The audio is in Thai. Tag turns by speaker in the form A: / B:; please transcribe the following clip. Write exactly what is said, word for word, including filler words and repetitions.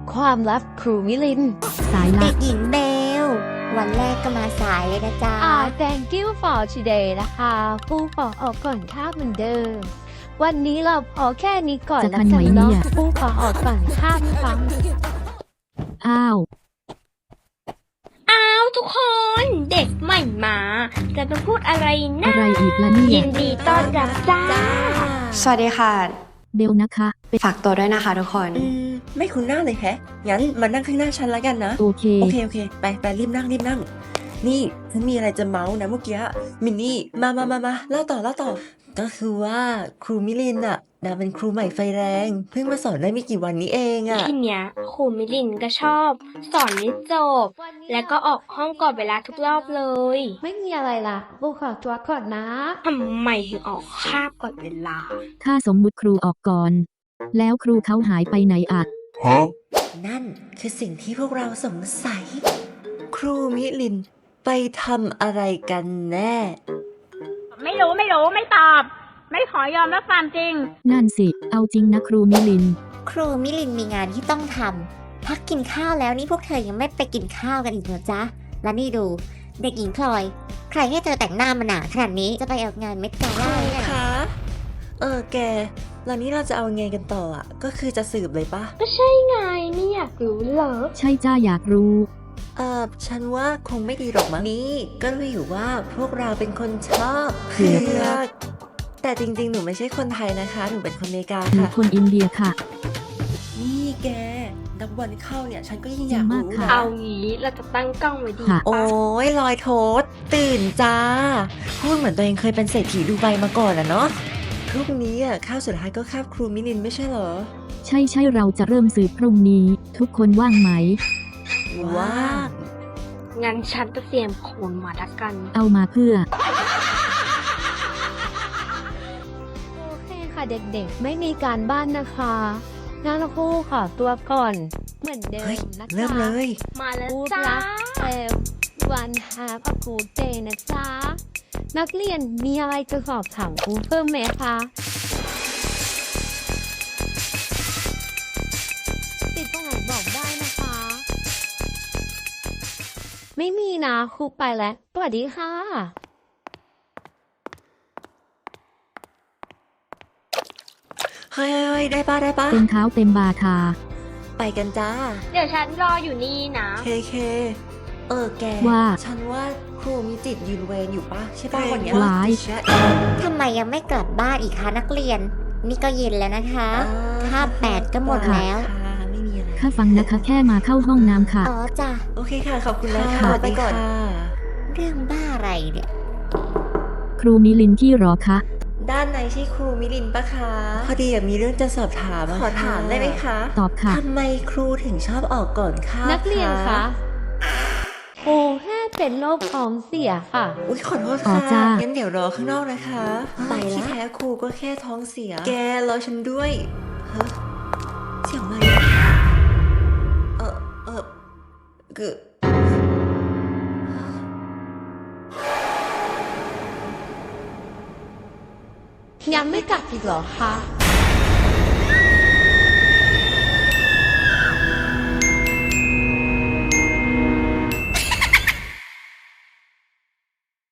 A: ความลับครูมิลินสายลั
B: เด็
A: บ
B: กหญิงเบล วันแรกก็มาสายเลยนะจ๊ะ
A: อ่า thank you for today นะคะครูขอออกก่อนค่าเหมือนเดิม วันนี้เราพอแค่นี้ก่อน
C: จะ
A: แล้ว
C: ทันไหม
A: กันเนาะ
C: เนี่ย
A: ครูขอออกก่อนค่าฟัง
C: อ้าว
D: อ้าวทุกคนเด็กใหม่มา จะมาพูดอะไรนะ
C: อะไรอีกล่ะเนี่
D: ยิ
C: ย
D: นดีต้อนรับจ้า
E: สวัสดีค่ะ
C: เบลนะคะเป็น
E: ฝากตัวด้วยนะคะทุกคน
F: อืมไม่คุ้นหน้าเลยแฮะ งั้นมานั่งข้างหน้าฉันแล้วกันนะ
C: โอเค
F: โอเคโอเค ไปไปรีบนั่งรีบนั่ง นี่ฉันมีอะไรจะเมาส์นะเมื่อกี้มินนี่มามามามาเล่าต่อเล่าต่อ ก็คือว่าครูมิลินอะนางเป็นครูใหม่ไฟแรง เพิ่งมาสอนได้ไม่กี่วันนี้เองอะ
D: ทีเนี้ยครูมิลินก็ชอบ สอนไม่จบ แล้วก็ออกห้องก่อนเวลาทุกรอบเลย
A: ไม่มีอะไรล่ะครูขอตัวก่อนนะ
D: ทำไมถึงออกคาบก่อนเวลา
C: ถ้าสมมุติครูออกก่อน แล้วครูเขาหายไปไหนอะ
F: นั่นคือสิ่งที่พวกเราสงสัย ครูมิลินไปทำอะไรกันแน่
G: ไม่รู้ไม่รู้ไม่ตอบ ไม่ขอยอมรับความจริง
C: นั่นสิ เอาจริงนะครูมิลิน
B: ครูมิลินมีงานที่ต้องทำพักกินข้าวแล้วนี่พวกเธอยังไม่ไปกินข้าวกันอีกเหรอจ๊ะ และนี่ดู เด็กหญิงพลอย ใครให้เธอแต่งหน้ามาหนาขนาดนี้จะไปออกงานเม็ดกาล่าเนี่ย
F: คะ เออแก แล้วนี้เราจะเอาไงกันต่ออ่ะ ก็คือจะสืบเลยปะ
D: ก็ใช่ไงไม่อยากรู้เหรอ
C: ใช่จ้าอยากรู้
F: เออฉันว่าคงไม่ดีหรอกมั้งนี่ก็รู้อยู่ว่าพวกเราเป็นคนชอบ
C: เผื
F: เผื
C: อก
F: อกแต่จริงๆ หนูไม่ใช่คนไทยนะคะ หนูเป็นคนอเมริกา
C: หนู
F: ค่ะ
C: คนอินเดียค่ะ
F: นี่แกนับวันเข้าเนี่ย ฉันก็ยิ่ง
C: จริ
F: อง ยาก
C: มาก
F: รู้
C: ค่ะ
F: นะ
D: เอางี้เราจะตั้งกล้องไว้ดี
C: ค่ะ
F: โอ้
D: ปะ
F: ยลอยโทษ ตื่นจ้า พูดเหมือนตัวเองเคยเป็นเศรษฐีดูไบมาก่อนอะเนาะพรุ่งนี้อ่ะข้าวสุดท้ายก็คาบครูมิลินไม่ใช่เหรอ
C: ใช่ใช่เราจะเริ่มสืบพรุ่งนี้ ทุกคนว่างไหม
F: ว่าง
D: งั้นฉันจะเตรียมโคนมาดักกัน
C: เอามาเพื่อ
A: โอเคค่ะเด็กๆ ไม่มีการบ้านนะคะงั้นครูขอตัวก่อน เหมือนเดิ
F: เฮ้ย
A: มนะคะ
F: เริ่มเลย
D: มาแล้ว
A: พูด
D: จ้า
A: รักเซลวันฮาพกูเตนะจ๊ะ นักเรียนมีอะไรจะสอบถามครูเพิ่มไหมคะติดตรงไหนบอกได้นะคะ ไม่มีนะครูไปแล้วสวัสดีค่ะ
F: เฮ้ยเฮ้ยเฮ้ยได้ปะได้ปะ
C: เต็มเท้าเต็มบาทา
F: ไปกันจ้า
D: เดี๋ยวฉันรออยู่นี่นะ
F: เคเค เออแก
C: ว่า
F: ฉันว่าครูมีจิตยืนเวรอยู่ปะใช่ปะวันเนี้ย
C: ว้าย
F: ใช่
B: ทำไมยังไม่กลับบ้านอีกคะนักเรียน นี่ก็เย็นแล้วนะคะ
F: อ่
B: คาบแปดก็หมดแล้ว
F: ค่ะไม่มีอะไร
C: ข้าฟังนะคะแค่มาเข้าห้องน้ำค่ะ
B: อ๋อจ้ะ
F: โอเคค่ะ ขอบคุณนะ
C: ค่ะ
F: คะไปก่อน
B: เรื่องบ้าอะไรเนี่ย
C: ครูมิลินที่หรอคะ
F: ด้านในใช่ครูมิลินปะคะ พอดีอะมีเรื่องจะสอบถามขอถามได้ไหมคะ
C: ตอบค่ะ
F: ทำไมครูถึงชอบออกก่อนค่ะ
A: นักเรียนคะครูแค่เป็นโรคท้องเสียค่ะ
F: อุ้ยขอโทษ
C: อ๋อ
F: ค่ะ
C: จ้า
F: งั้นเดี๋ยวรอข้างนอกนะคะ ไปละที่แท้ครูก็แค่ท้องเสีย แกรอฉันด้วยเฮ้ยเสียงอะไรอะเออเออคือ
A: ยังไม่กลับอีกเหรอคะ